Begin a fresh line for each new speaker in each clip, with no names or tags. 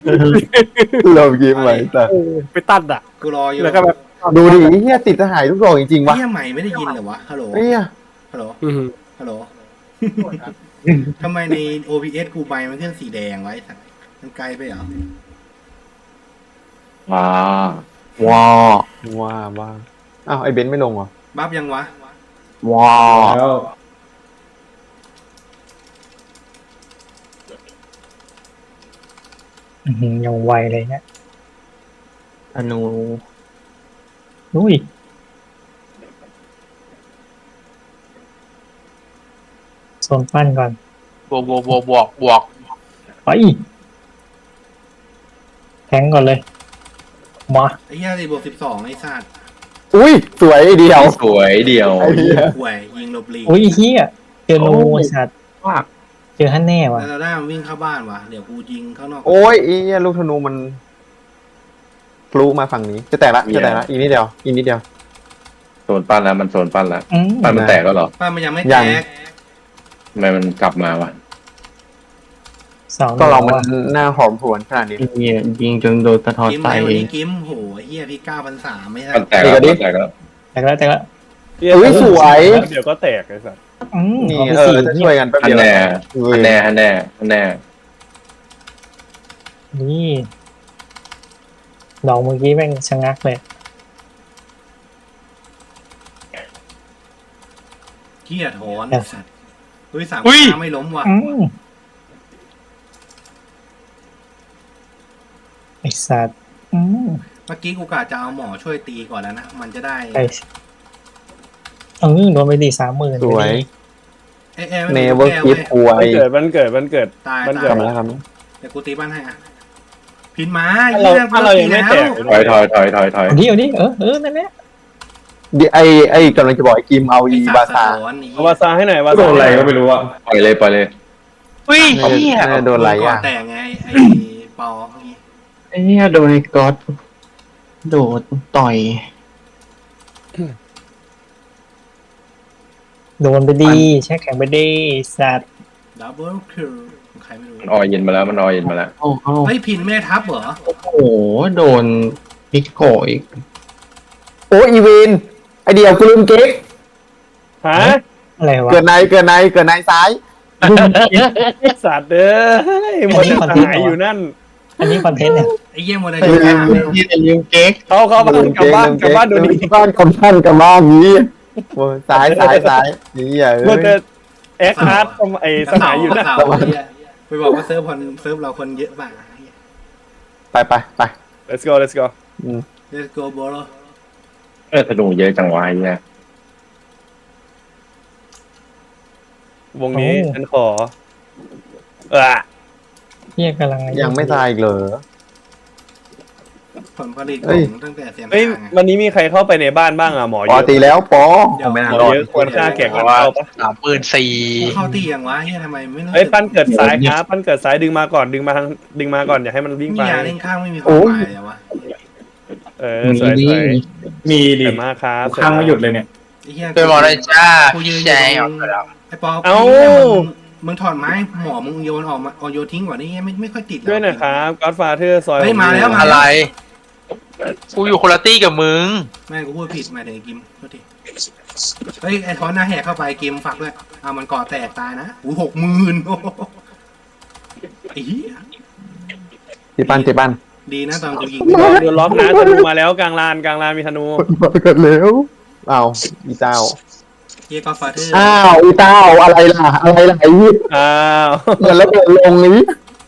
เรายิ้มไว้แต่
ไปตัดอ่ะ
กูรออยู่
แล้วก็แบบ
ดูดิเฮียติดทหารทุกดอกจริงๆวะ
เฮียใหม่ไม่ได้ยินเหรอวะฮัลโหล
เฮีย
ฮัลโหล
อืม
ฮัลโหลทำไมใน OBS กูใบมันขึ้นสีแดงไว้สัตว์มันไกลไปเหรอ
ว้า
ว้าว้าอ้าวไอ้เบนซ์ไม่ลงเหรอ
บัฟยังวะ
ว้า
แล้ว
ยังไวเลยเนี่ย
อนุ
อุ้ยโซนปั้นก่อน
บวก
ไปแทงก่อนเลย มา
ไอ้เฮียสิบวก12ไอ้สัตว์
อุ้ยสวยเดียว
สวยเดียว
ไอ้เหี้ย
ห่วยยิงหลบหลีก
อุ้ยเฮียเจอโนสัตว์
ว่า
เจอฮันแน่ว่ะ
แล้วเราได้มันวิ่งเข้าบ้านวะเดี๋ยวกูยิงข้างนอก
โอ้ยไอ้เหี้ยลูกธนูมันพลุมาฝั่งนี้จะแตกละอีกนิดเดียว
โซนปั้นแล้วมันโซนปั้นแล้ว
อืม
ปั้นมันแตกแล้วเหรอ
บ้านมันยังไม่
ยั
แต
ง
ก
ทำไมมันกลับมาวะ
สอง
ก็เรามัน
ว่ะ
หน้าหอมหวนขนาดนี้
เนี่ยยิงจนโดนสะท้อน
กิม
ไต
ไอ้วันนี้กิมโหไอ้เฮียพี่9,300ไม่ใช่
มันแตกแล้วมันแตกแล้ว
แตกแล้วแตกแล้ว
อุ้ยสวย
เดี๋ยวก็แตกไอ้สัส
นี่
เอาไป
เออ
สี่
จะช่วยกันแป๊บ
ฮัน
เดียว
แน่
เออ
ฮันแน่
นี่ดอกเมื่อกี้แม่งชะงักเลย
เฮียถอนไอ้สัตว์เฮ้ย3 ไม่ล้มว่ะ
อืมไอสัตว์
เมื่อกี้กูกะจะเอาหมอช่วยตีก่อนแล้วนะมันจะได้
ไอโดนไปดี30,000
สวย
เอ้ย
เนเวอร์คิดอว
มัน
ย
เกิดมันเกิดมันเกิด
ตาย
มัน
ตา
เกิ
ย
ด
ทำแล้วครับ
เดี๋ยวกูตีบ้านให้อ่ะพินมา
ถ้าเรายังไม่แตก
ถอย
เอาดินั่นแหละ
ไอ้กำลังจะบอกไอ้กิมเอาอีบาซา
เอาวาซาให้หน่อยวา
โด
ซาน
อะไรก็ไม่รู้อ่ะ
ปล่อยเลย
อุ้ย
น่าจะโดนอะไรอ่ะ
แต่ไงไอ้ปอเมื่อกี้
ไอ้เนี่ยโดนไอ้ก๊อตโดดต่อย
โดนไปดีแช่แข็งไปดีสัตว์
ดับเบิลคิลใครไม่รู้
มันออยเย็นมาแล้วมันออยเย็นมาแล้ว
เฮ้ยพินแม่ทัพเหรอ
โอ้โหโดนพิกโกอีก
โอ้อีวินไอเดียวกูลืมเก๊ก
ฮะ
อะไรวะ
เกิดในซ้าย
ไอ้สัตว์เด้อหมดจะหายอยู่นั่น
อันนี้คอนเทนต์เนี่ย
ไอ้เยี่ยมวันไหน
ลื
จะ
ม
หา
ที่จะลืมเก๊ก
เขาบ้านกลับบ้านดูดี
บ้านกำบ้านนี้ซ้ายนี่อย่า
มันจะแอคอาร์ตไอ้สหายอยู่นั่น
เสาไปบอกว่าเซิร์ฟเราคนเยอะมาก
ไป
let's go let's go
Let's go bro
ธนูเยอะจังวะไอ้เนี่ยว
งนี้ฉันขอ
เฮียกำลัง
ยังไม่ตายอีกเหรอ
ผลผลิตของตั้งแต่เสียง
เฮ้ยวันนี้มีใครเข้าไปในบ้านบ้างอ่ะหมอ
ป
เย
อ
อะ
ตีแล้วปอ
หมอเยอะควรค่าแก่กันเข้าปะ
34,000
เข้าตีอย่างวะเฮียทำไมไม่
เฮ้ยปั้นเกิดซ้ายครับปั้นเกิดซ้ายดึงมาก่อนดึงมาก่อนอย่าให้มันวิ่ง
มี
ไป
ยาเล่นข้างไม่มีความหมายเลยวะ
สวย
มี
ๆ
ดิ
สวยมากครับ
ข้างไม่หยุดเลยเนี่ย
ไอ้เฮีย
เป็นหมอเลยจ้า
กูยืน
แชร์
อ
ออยู่ กแล้ว
ไอ้ปอมึงถอดไม้หมอมึงโยนออกมาโยนทิ้งก่อนนี่ไม่ค่อยติด
ด้วยนะครับ Godfather ซอย
เฮ้ยมาแล้ว
อะไร กูอยู่คนละตี้กับมึง
แม่กูพูดผิดมาถึงกิมโทษทีเฮ้ยไอ้ทอนหน้าแหกเข้าไปกิมฝากด้วยมันก่อแตกตายนะอู้60,000ไอ้เหี้ย
ตีปั้น
ดีนะตอนกูยิง
โดนล็อกนะธนูมาแล้วกลางลานมีธนู
เกิดแล้วอ้าวอีเต้า
เฮียก็ฟาเธอร์
อ้าวอีเต้าอะไรล่ะไอ้ยี่
อ้าว
เดี๋ยวแล้วเกิดลงนี้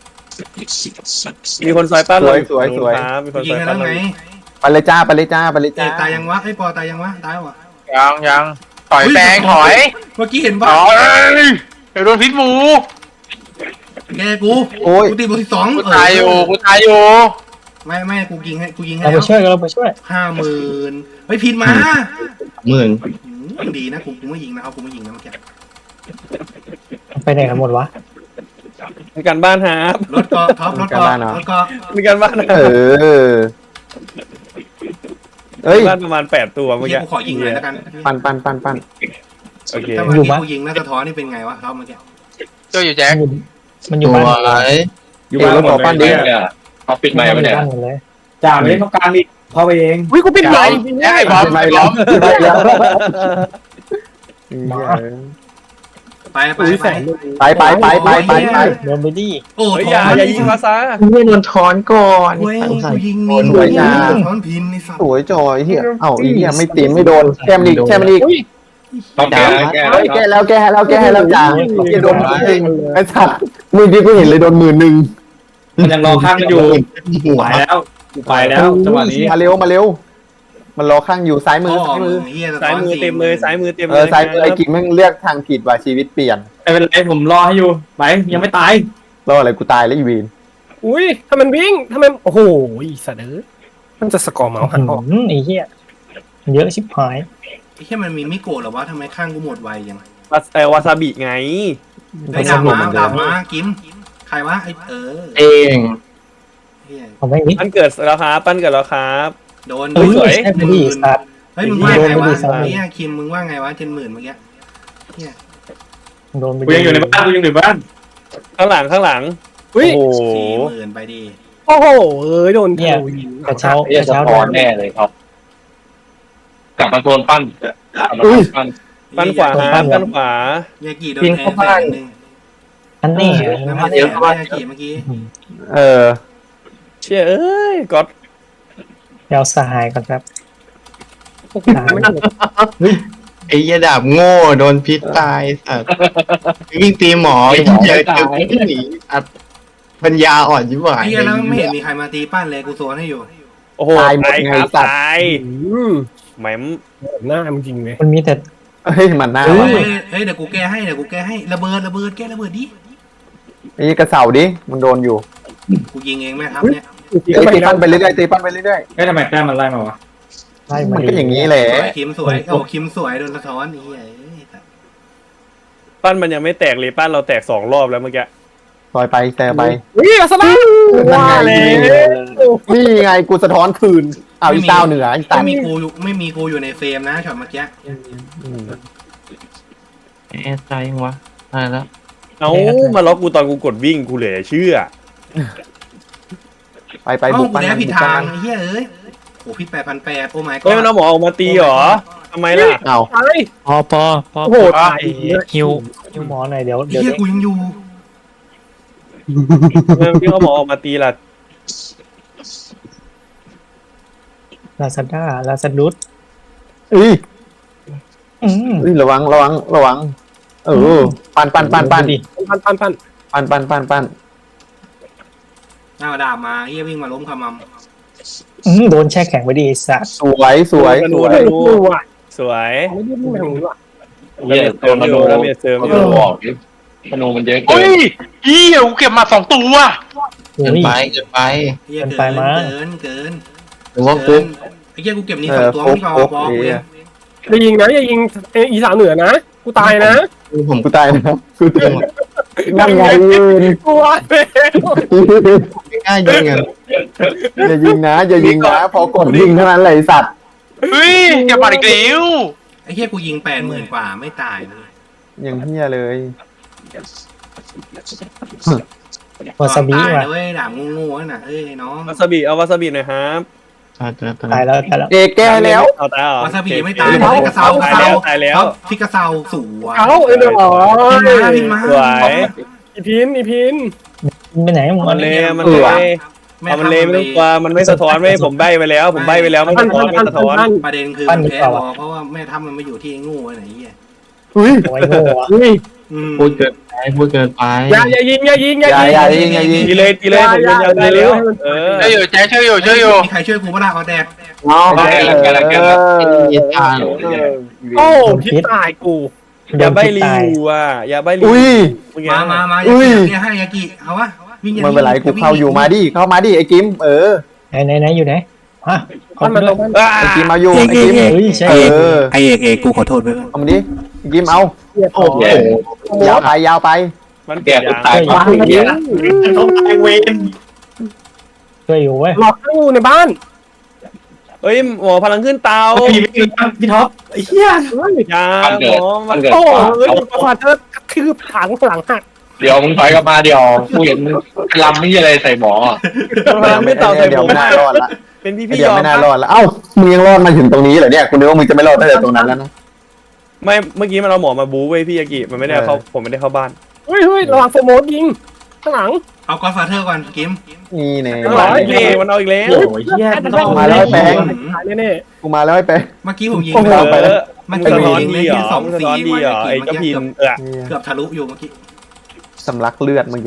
มีคนซอยปั้นเลย
สวย
ครับมีคน
ยิ
ซ
ง
อย
กัน
ปั้
แล้
น
ว
เล
ไง
ย
ไปเลยจ้า
ตายยังวะไอ้ปอตายยังวะตายวะ
ยังถอยแบงถอย
เมื่อกี้เห็น
ถ
ป่ะ
อยเดี๋ยวโดนพิษหมู
แกกูตีบวก12
กูตายอยู่
ไม่กูยิงให้
เราไปช่วย
50,000เฮ้ยพินมา
10,000
ดีนะกูไม่ยิงนะครับกูไม่ยิงนะเมื่อกี้
ไปไหนกันหมดวะ
มีการบ้านครับ
รถก็ท็อปรถก็
มีการบ้านนะ
เอ้ย
บ้านประมาณ8ตัวเมื่อ
เฮีย
กี้
กูขอยิงเลยแล้วกัน
ปั้น
โอเค
ถ้าเมื่อกี้กูยิงน่าจะท้อนี่เป็นไงวะท็อปเมื่อกี้
เจ้าอยู่แจ็ค
มันอยู่บ้าน
อยู่บ้านหมดเลย
ปั้นดิ
เนี่ย
เขาปิดไมค์ไปเนี่ย
ตั้งหมดเลย
จ่าไม่ได้ต้องการอีกเข้าไปเอง
อุ้ยกูปิดไมค์
ไอ้บอม
ไม่
ไอ้บ
แล้
อ
ว
ม
ไม่แล้ว
ไป
โดนไปดิ
โอ้
เฮ้ย
ถ
อย่า
อน
อย่ายิงภาษา
ไม่โดนถอนก่อน
เว้ย
ใส่
กูยิงมีถอนพินในสัต
ส
ว์
วยจอยเฮียเอ้าอีเฮียไม่ตีไม่โดนแก้มอีกแก้มอีก
ต้องแก้แก้
แก้แล้วแก้แล้วแก้แล้วจ้าเฮียโดนจริงไอ้สัตว์มือที่กูเห็นเลยโดน11,000
มันยังรอข้างกันอยู่ไปแล้วกูไปแล้วจังหวะนี้
มาเร็วมาเร็ว มันรอข้างอยู่ซ้ายมือ
พ่อ
ซ้ายมื
มึ
อง
เฮีย
ซ้ายมือเต็มเลยซ้ายมือเต็ม
เอ
เล
อย ซ้ายมือไอ้กิ๊กแม่งเลือกทางผิดว่าชีวิตเปลี่ยน
ไม่เป็นไรผมรอให้อยู่ไปยังไม่ตาย
รออะไรกูตายแล้วอีวีน
อุ้ยถ้ามันวิ่งถ้ามันโอ้โหอีสัตว์เอ้ยมันจะสกอร์เมาส์หันออก
ไอ้เหี้ยเยอะชิบหาย
ไอ้แค่มันมีมิโกะหรอวะทำไมข้างกูหมดไวยัง
วาซาบิไง
ไอ้ดามากิมใครวะไอ้
เอง
เฮีย
เอาไม่มิด
ปั้นเกิดแล้วครับปั้นเกิดแล้วครับ
โดน
เฮ้ย
สวย
ใช่ไปดิสัตว์
เฮ้ยมึงว่าไงวะ
โดนไปดิสัตว์
เนี่ยคิมมึงว่าไงวะ70,000เมื่อกี้เฮีย
โดนไป
กูยังอยู่ในบ้านกูยังอยู่ในบ้านข้างหลัง
อุ้ย
โอ้โห
40,000ไปดิ
โอ้โหเอ้ยโดนธ
เนี่ย
นูยิง
กระเช้า
เรียก
กระ
ส
เช้า
ปอนแน่เลยครับกลับมาโซนปั้นกลับมาโซนปั้น
ปั้นขวาครับปั้นขวา
ยากิโดนแทง1,000,000
อันนี้
แล้วไม่แทงยากิเมื่อกี้
เออ
เชี่ยเอ้ยก๊อต
เดี๋ยวสหายก่อนครับ
ไอ้ยาดาบโง่โดนพิษตายสัตว์วิ่งตีหมอเจอหนีอัดปัญญาอ่อนยิ่งกว่า
ไอ้เหี้ยแล้วไม่เห็นมีใครมาตีปั้นเลยกูโซนให้อยู่
โอ้โห
ตายหมดไง
ครับ
สัตว์
ตาย
อืม
แหม
หน้ามันจริงเลย
มันมีแต่
เฮ้ยมันหน้า
เฮ้
วะ
ยเดี๋ยวกูแก้ให้ระเบิดแก้ระเบิดดิ
ไอ้กระเสาดิมันโดนอยู่
กูยิงเองแม่ครับเนี่ย
ไอ้ตีปั้นไปเรื่อยๆตีปั้นไปเรื่อย
เฮ้ยทำไมแต้มมันไล่มาวะ
ไล่
ๆ
มา
มัน
ดิ
ก็อย่างนี้แหละ
สวยคิมสวยโอ้คิมสวยโดนสะท้อนไอ้เหี้ย
ปั้นมันยังไม่แตกเลยปั้นเราแตก2 รอบแล้วเมื่อกี้
ซอยไปแต่ไป
อุ้ยอัสลาม
นั่น
ว่า
ไง
แล้ว
นี่ไงกูสะท้อนคืนเอาอีเต้าเหนืออีตัน
ไม่มีกูอยู่ในเฟรมนะช็อตเมื่อกี้
แอดใจยังวะตายแล้ว
เอามาล็อกกูตอนกูกดวิ่งกูเหลือเชื่อ
ไป
เอ้า
บุก
กู
ปั้น
แล้
มัน
ผิด
บุก
ทา
ปั้
ง
น
ไอ้เหี้ยเอ้ยโอ้ผิด8,800โอ้ my
เฮ้ย
god
มันเอาหมอออกมาตีเหรอทำไมล่ะ
เอา
ตาย
พอ
โอ้โหตาย
ฮิวหมอหน่อยเดี๋ยว
ไอ้เหี้ยกูยังอยู่
พี่เขาหมอออกมาตีล่ะ
ลาซาด้าลาซาดุส
อุ้ย
อืม
ระวังเออปั้น
ดิ
พัน
เอาดาบมาเหี้ยวิ่งมาล้มขมำ
โดนแช่แข็งไปดิสัตว์
สวยสวย
ธนู
สวย
ธ
โอ้
นู
โหว่ะ
สวย
ไม่ได้พูดแบบนี้ว่ะ
เรียกโซนธนู
ระเบียดเสริม
ธ
อยู่
นูออกธนูมันเยอะเกิ
เฮ้
น
ยอีเหี้ยกูเก็บมา2 ตัว
โอ้
เกิน
ย
ไปเกินไป
เหี้ย
เกินไปมั้ง
เกิน
หรือว่าฟุก
ไอ้เหี้ยกูเก็บนี่2 ตัวไม่พอบอกกูยัง
อย่ายิงนะอย่ายิงอีสานเหนือนะกูตายนะ
ผม
กูตายนะกูตายนั่นไงยืน
กลัวเลย
ไม่กล้ายิงอ่ะ
อย่ายิงนะพอกดยิงเท่านั้นเลยสัตว์
เฮ้ยเก็บมาอีกแล้ว
ไอ้เหี้ยกูยิง80,000กว่าไม่ตายเลย
ยังเฮียเลย
วาซาบิ
ตาย
ว่ะ
นะเว้ยดาบงูๆนั่นน่ะเอ้ยน้อง
วาซาบิเอาวาซาบิหน่อยครับ
ตายแล้วตายแล้ว
เอกแก้แล้ว
เอาตายเหรอ
วาซาบิยังไม่ตาย
ตาย
กระเซา
ตายแล้ว
ฟิกกระเซาสวย
เอาไอ้เด้อ
พินมา
สวย
อีพิน
ไปไหนมึง
มันเลยมันเลยเอามันเลยไม่ต้องกลัวมันไม่สะท้อนไม่ผมใบไปแล้วไม่สะท้อนไม่สะท้อน
ประเด็นคือมันแพ้วอเพราะว่าแม่ทัพมันไม่อยู่ที่งูไอ้ไหนเหี้ย
อุ้ย
โอ้ยโง่อะ
พูดเกินไป
อย่ายิง
อย่ายิง
ตีเลยผมเป็นยาวได้แล้วเออ
ช่วยอยู่แจ๊คช่วยอยู่
มีใครช่วยกูบ้างเอาแดก
น้อง
ยิงตาย
โอ้พิษตายกู
อย่าใบรีวิวอ่ะอย่าใบรีวิว
อุ้ย
มาอย่าให้ยากิเอาวะวิ่ง
มันเป็นไรกูเข้าอยู่มาดิเข้ามาดิไอ้กิม
ไหนอยู่ไหนฮะ
มันมัน
ไอ้กิมเอาอยู่ไอ้กิม
เฮ้ยใช่
ไอเอกกูขอโทษไป
เอามาดิไอ้กิมเอา
โอ้โห
ยาวไป
มัน
แก
เปลี่ยน
กู
ยาง
ตาย
ต้องตายเวน
ช่วยอยู่เว้ย
หลอกให้อยู่ในบ้าน
เฮ้ยหมอพลังขึ้นเตา
พี่ท็อปไอ้เหี้ย
ยาหมอมัน
โอ้ยประวัติเธอกระทืบถังหลังหัก
เดี๋ยวมึงถอยกลับมาเดี๋ยวกูเห็นลำไม่ใช่อะไรใส่หมอ
ไม่ต่อใส่
เดี๋
ผ
ยว
ม
ไม่น่ารอดละ
เป็นพี่
เดี๋
ย
ยว
อม
ไม่น่ารอดละเอ้ามึงยังรอดมาถึงตรงนี้เหรอเนี่ยกูนึกว่ามึงจะไม่รอดตั้งแต่ตรงนั้นแล้วนะ
ไม่เมื่อกี้มันเอาหมอมาบู๊เว้ยพี่ยากิมันไม่ได้เข้าผมไม่ได้เข้าบ้าน
เฮ้ยระวังโฟโมสยิงข้างหลัง
เอาก็อดฟาเธอร์ก่อนกิม
นี่เนี่ย
ข้างหลังพี่มันเอาอีกแล้ว
โอ้ยเหี้ยไม่ต้อง
มาแล้วไอ้แปง
ตายแน่
กูมาแล้วไอ้แป๊ะ
เมื่อกี้ผมยิง
โอ้โห
ไป
เออ
เมื่อ
มึง
กี้
สะ
ผม
ท้อน
ยิง
ดี
เล่น
เหรอ
ที่สอง
มึงสะ
สี
ท้อนดีเหรอไอ้เจ้าพินเออ
เกือบทะลุอยู่เมื่อกี้
สำลักเลือดเมื่อกี้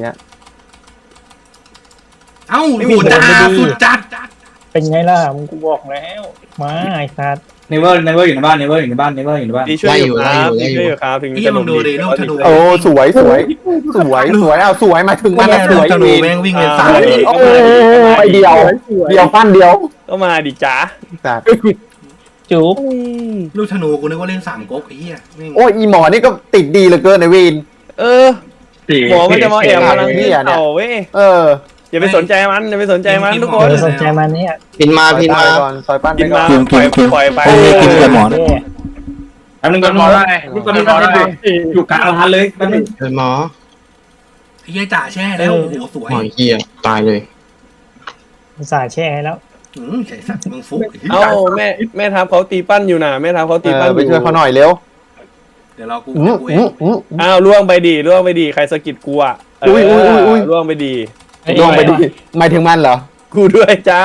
เอ้าโหจ้าสุดจัด
เป็นไงล่ะมึงกูบอกแล้วมาไอ้สัตว์
เนเวอร์อยู่ในบ้านเนเวอร์อยู่ในบ้านเนเวอร์อยู่ในบ้าน
ดีช่วยอยู่ครับดีช่วยอยู่ครับถึง
ไอ้
จะ
ยังมึงดูดิลูกธนู
โอ้สวยสวยสวยสวยเอาสวยมาถึง
มั
มานแล้วส
ลูก
วย
ธนูแม่งวิ่งเป็นสาย
โอ้ไอเดียวเดียวปั้นเดียว
ก็มาดิจ้า
จัด
จุ๊บ
ลูกธนูกูนึกว่าเล่นสามก๊กไอ้เหี้ยแม่ง
โอ้ยอีหมอนี่ก็ติดดีเหลือเกินในวีน
เออหมอมันจะมาแอบพลังที่เต่าเว้ย
เออ
อย่าไปสนใจมันอย่าไปสนใจมันทุกค
เอน อสนใจมันเนี่ย
พินมาพินมา
ก่อนซอยปั้นไป
กิน
ก่อ
มาน ปล่อยไป
กินกับหมอ
แป๊บนึงก่อน
หมอได้
ก่อนหมอได้อยู่กลางร้านเลยแป๊บนึง
เป็นหมอ
ไอ้เหี้ยจ่าแช่แล้วโอ้โหสวย
หมอเหี้ยตายเลย
สายแช่แล้ว
ใส่สัตว์มึงฟุก
เอ้าแม่ทัพเขาตีปั้นอยู่นะแม่ทัพเขาตีปั้นอ
ไป
ยู่
ช่วยเขาหน่อยเร็ว
เดี๋ยวเรากูเอง
อ้าวล่วงไปดีใครสะกิดกูอ่ะล่วงไปดี
ลงไปดิหมายถึงมันเหรอ
กูด้วยจ้า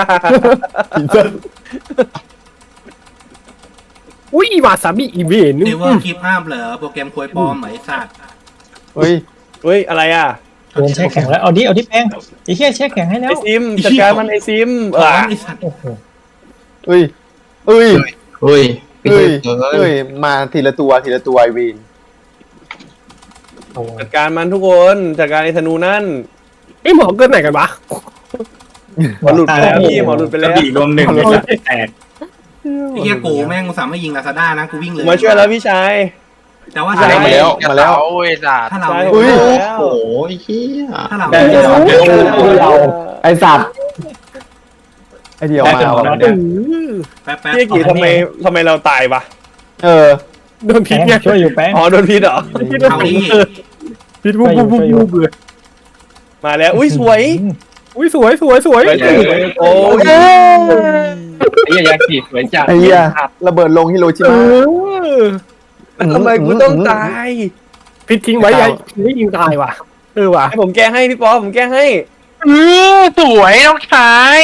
อุ้ยวาซาบิอีเวน
เนเวอร์คลิปห้ามเหรอโปรแกรมควยปลอมไหมสัตว์
เฮ้ย
เฮ้ยอะไรอ่ะ
โดนแช่แข็งแล้วเอาดิแป้งไอ้เหี้ยแช่แข็งให้แล้
ไอ
ว
ซิมจัดการมันไอซิม
ไอ้สัตว์
โอ้โห
เฮ้ยเฮ้ย
เฮ้ย
เฮ้ย
เฮ้
เฮ้
ย
ยมาทีละตัวไอวีน
โอ้โห
จัดการมันทุกคนจัดการไอธนูนั่น
ไอ้หมอเกินไหนกันวะ
หมอหลุดไปแล้วพี่หมอหลุดไป
ก
แล้
ระ
ว
บี่รวมหนึ่งแตก
ไอ้เหี้ยกูแม่งกูสามารถยิงลาซาด้านะกูวิ่งเลย
มาช่วยแล้วพี่ชาย
แต่ว่า
มาแล้วมาแล้ว
โอ้ยสัตว์
ถ้าเรา
โอ้โหเหี้ย
ถ้าเรา
ไอสัตว์ไอเดียวมาว่ะ
แป๊บ
พี่กี่ทำไมเราตายปะ
เออ
โดนพิ
แป้
ษ
ง
ไง
ช่วยอยู่แป้ง
อ๋อโดนพิษเหรอ
เอาดิ
พิษปุ๊บเลย
มาแล้วอุ้ยสวย
อุ้ยสวย
โอ้ย
ไอ้ยาขีดสวยจัด
ไอ้เหี้ยระเบิดลงฮิโรชิมา
ทำไมกูต้องตาย
พิษทิ้งไว้ยัยไม่ยิงตายว่ะว่ะ
ให้ผมแก้ให้พี่ปอผมแก้ให้
สวยน้องชาย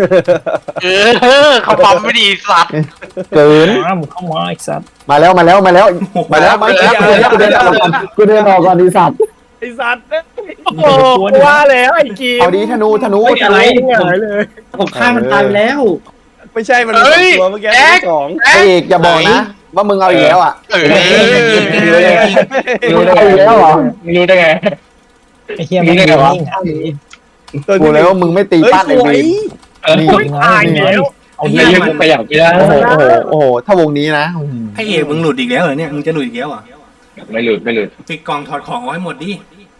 เขาปั๊มไม่ดีสัตว์
เกิน
มามึงเข้ามาไอ้สัตว์
มาแล้วกูเดินออกก่อนดีสัตว์
ไอสัตว์
โอ้โหว่าแล้วไอ้กี
เอาดีธนู
อะไรหงายเลย
ผมฆ่ามันตายแล้ว
ไม่ใช่มันตัวเมื่อกี้สอง
เอกอย่าบอกนะว่ามึงเอาอีกแล้วอ่ะ
รู้ได้แล้วเหรอ
รู้ได้ไง
ไอ้เหี้ยมันวิ่งหา
กูเลยว่ามึงไม่ตีปั้นไอ้วีน
นี่ตายแล้วเอาดิ
ไม่ยืดไปอย่างที่ได้
โอ้โหถ้าวงนี้นะ
ไอ้เอกมึงหลุดอีกแล้วเหรอเนี่ยมึงจะหลุดอีกแล้วอ่ะ
ไม่หลุด
ปิดกล่องถอดของเอาให้หมดดิ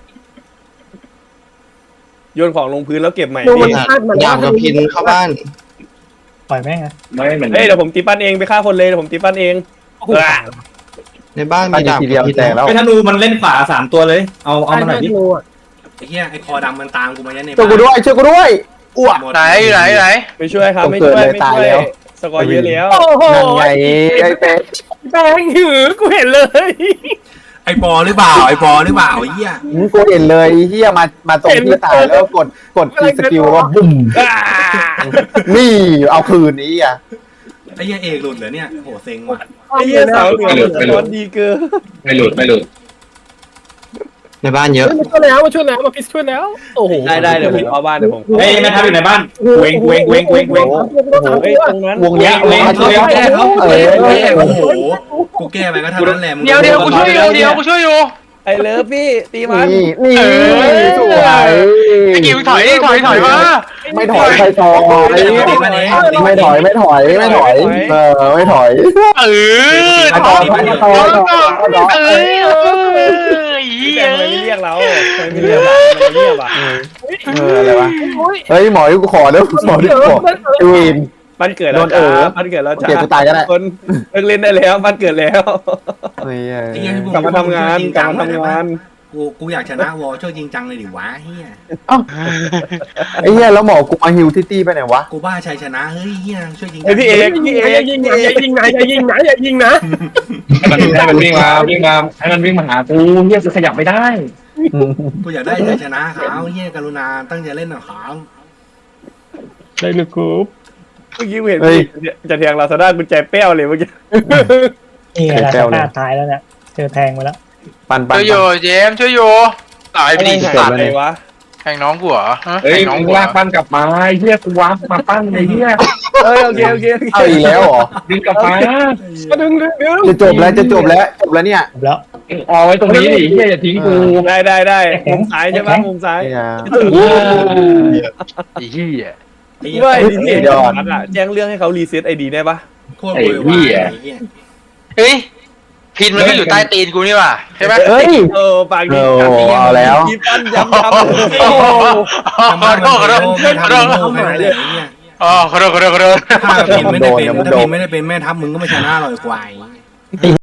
โยนของลงพื้นแล้วเก็บใหม่
โดน
พี่
คาดมัน
ดาบกับพินเข้าบ้าน
ปล่อยแม่งอะ
ไม่เหมือน
เฮ้ยเดี๋ยวผมตีปั้นเองไปฆ่าคนเลยเดี๋ยวผมตีปั้นเอง
ในบ้าน
ปั้
มี
น
ดาบ
ทีเดียว
กับพิน
แตกแล้ว
ไอ้ธนูมันเล่นขวา3ตัวเลยเอามาหน่อยดิ
ไอ้เหี้ยไอ้คอดำมันตามกูมายันใน
ช่วยกูด้วยอ้วก
ไหนไหน
ไม่ช่วยครับไม่ช่วยไม่ช่วยสกอร์เยอะแล้ว
โอ้โห
นั่นไงไอ้เป็ด
แป้งหือกูเห็นเลย
ไอ้ปอหรือเปล่าไอ้ปอหรือเปล่าไอ้เหี้ย
กูเห็นเลยเฮียมาตรงที่ตายแล้วกดคีย์สกิลว่าบุ้มนี่เอาคืนนี้อ่ะ
ไอ้เหี้ยเอกหลุดเหรอเนี่ยโหเซ็งว่ะ
ไอ้เหี้ยสาวเหนือสกอร์ดีเกิน
ไม่หลุด
ในบ้านเยอะ
มาช่วยแล้วมาพิษช่วยแล้วโอ้โห
ได้เดี๋ยวผมเข้าบ้านเดี๋ยวผม
เฮ้ยแม่ทัพอยู่ในบ้านเวง
เฮ้ยตรงนั้น
วงเนี้ย
มาช่วยแก้เขา
เออ
โอ้โหกูแก้ไปก็เท่านั้นแหละมึง
เดี๋ยวกูช่วยอยู่
ไอ้เลิฟพี่ตีมัน
นี่สวย
ไอ้กิวถอยมา
ไม่ถอยใครต่อไม่ถอยไม่ถอยไม่ถอย
ต่อ
พี่แกทำไมไม่เรียกเราทำไมไม่เรียกเราเรียกอ่ะ
อะไรวะเฮ้ยหมอกูขอแล้วหมอที่ขอวิน
บ้านเกิดแล้วบ้านเกิดแล้วจ้า
เก็บกูตายก็ได้
คนเลิกเล่นได้แล้วบ้านเกิดแล้ว
เฮ้ย
กลับมาทำงาน
กูกูอยากชนะวอช่วยจริงจังเลยดิวะเฮีย
ไอ้เหี้ยแล้วหมอกูมาฮิวตี้ไปไหนวะ
กูบ้าชัยชนะเฮ้ยเฮียช่วยจริงจั
ไอพี่เอก
อย่ายิงนะอย่ายิงนะอย่ายิงนะอย่ายิงนะ
ให้มันวิ่งมาให้มันวิ่งมาหากูเฮียคือขยับไม่ได้
กูอยากได้ชัยชนะเขาเฮียกรุณาตั้งใจเล่นหน่อยเขา
ได้ลูกคูป
เมื่อกี้เห็นพี่จะแทงลาซาด้ากุญแจเปี้ยวเลยเมื่อกี้
นี่ไงล่ะสภาพตายแล้วเนี่ยเจอแทงมาแล้ว
ปัน
ช่วยอยู่เจมช่วยอยู่ตายไปดิ
หา
สัตว์
อะไรวะ
แทงน้องกูเหรอฮะ
เฮ้ย
แทงน้อง
มึง
กูเหร
ลา
อก
ปั้นกลับมาเฮียกูวาร์ปมาปั้นไอ้เฮีย
โอเค
เอาอีกแล้วเหรอ
ดึงกลับมา
ดึง
จะจบแล้วเนี่ย
จบแล้ว
เอาไว้ตรงนี้ดิเฮียอย่าทิ้งกู
ได้มุมซ้ายใช่ไหมมุมซ้าย
ไอ้ยา
ไอ้เหี้ย
เว้ยนี่แจ้งเรื่องให้เขารีเซ็ตไอดีได้ปะ
โคตรโวยวายไอ้เฮีย
เฮ้ยพินมันก็อยู่ใต้ตีนกูนี่หว่าใช่ไหม
เฮ้ย
ปากดี
เอาแล้ว
ยีปั้นย้ำ
ขอโทษขอโทษ
ไม่ทำโง่แค่นั้นแหละไอ้เฮีย
อ๋อขอโทษ
ถ้าพิมไม่ได้เป็นแม่ทัพมึงก็ไม่ชนะหรอกไอ้ควาย